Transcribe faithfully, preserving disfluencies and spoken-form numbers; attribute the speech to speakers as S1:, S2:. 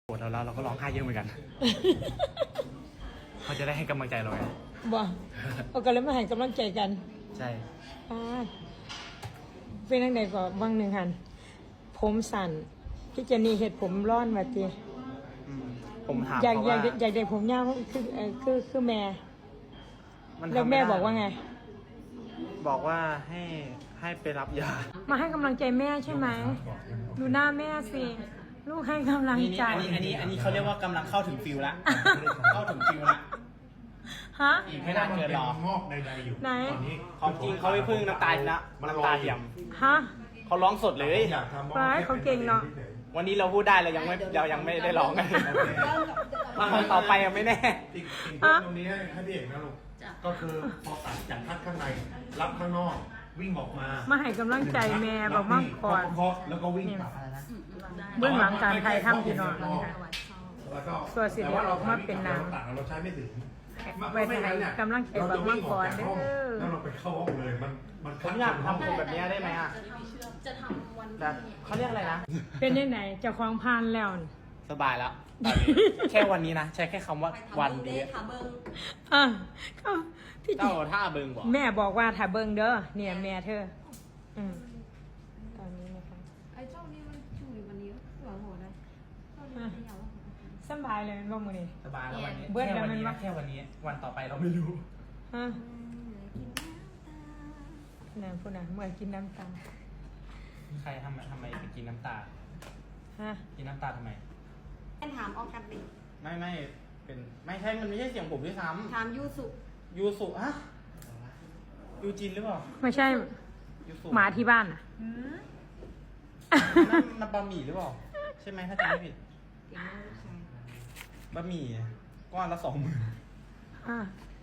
S1: โกรธเราแล้วเราก็ร้องไห้เยอะเหมือนกัน เขาจะได้ให้กำลังใจเราไง
S2: บ่เอากันแล้วมาให้กำลังใจกัน
S1: ใช่
S2: อ่าเป็นยังไงก็บางหนึ่งหันผมสั่นพี่เจนนี่เห็ดผมร้อนมาตี
S1: อืมผมถาม
S2: อยาก
S1: เขา
S2: อยา
S1: ว่าก
S2: อยากได้ผมยาวคือเอ่อคือคือแม่
S1: มัน
S2: แล้ว
S1: ทำ
S2: แม่
S1: ไได้
S2: บอกว่าไง
S1: บอกว่าให้ให้ไปรับยา
S2: มาให้กำลังใจแม่ใช่ไหมดูหน้าแม่สิลูกให้กำลัง
S3: นี่
S2: ใจ
S3: นี่อันนี้อันนี้อันนี้เขาเรียกว่ากำลังเข้าถึงฟิลละ เข้าถึงฟิลละ
S2: ฮะ
S3: อีกไม่นานเกินรอ
S4: งอกใดๆอยู่
S2: ไหน
S4: ตอนนี้
S3: ของจริงเขาไม่พึ่งน้ำตาลนะน้ำตาเทียม
S2: ฮะ
S3: เขาร้องสดเลย
S4: อยากทำ
S2: ร้ายเขาเก่งเนอะ
S3: วันนี้เราพูดได้เรายังไม่เรายังไม่ได้ร้องกันวันต่อไปยังไม่แน่
S4: อีกอีกเรื่องตรงนี้ให้ให้พี่เอกนะลูกก็คือพอตัดจากคัดข้างในรับข้างนอกวิ่งออกมา
S2: มาให้กำลังใจแม่บอกมั่งก่อน
S4: เคาะแล้วก็วิ่งกลับ
S2: เบื้องหลังการไทยทำพี่น้องนะคะ
S4: แล้วก็
S2: ส่วนสิเดี๋ยวออกมาเป็นหนัง
S4: ตัดเราใช้ไม่ถึง
S2: ไว้ให้กำลังใจบอกมั่งก่อนเด้อ
S4: แล้วเราไปเข้าห้องเลยมันมัน
S3: ผมอยากทำผมแบบนี้ได้ไหมอ่ะ
S5: จะทำวัน
S3: แบบเขาเรียกอะไรนะ
S2: เป็นยังไงเจ้าของพานแล้วนี่
S3: สบายแล้วตอนนี้แค่วันนี้นะ ใช้แค่คำว่าวันเดียว
S5: ทาเบิง
S2: อ่ะก็พี่
S3: เจ้าท่าเบิงบอก
S2: แม่บอกว่าถ้าเบิ่งเด้อเนี่ยแม่เธอ อืมตอนนี้นะคะ
S5: ไอ้เจ้านี่มันช่วยวันนี้หัวโหดเลยเจ้านี่ไม่อยากว่า
S2: สำบายเลยบ่มื้อนี้
S3: สบายแล้ววันนี้
S2: เบิด
S3: แค่
S2: แล้ว
S3: วัน
S2: มัน
S3: นี้
S2: วะ
S3: นะแค่วันนี้ วันต่อไปเราไม่รู้
S2: ฮะนั่นพูดนะเมื่อกินน้ำตา
S3: ใครทำทำไมไปกินน้ำตา
S2: ฮะ
S3: กินน้ำตาทำไม
S5: แอนถามออกกันดิ
S3: ไม่ไม่เป็นไม่ใช่มันไม่ใช่เสียงผมด้วยซ้
S5: ถามยูสุ
S3: ำยูสุฮะยูจินหรือเปล่า
S2: ไม่ใช่
S3: ยูสุ
S2: หมาที่บ้านอ่ะ
S3: นั่นมันบะหมี่หรือเปล่าใช่ไหมถ้าจำไม่ผิด
S5: เก่งมากลูกชาย
S3: บะหมี่ก้อนละสองหมื่น
S2: อ่ะ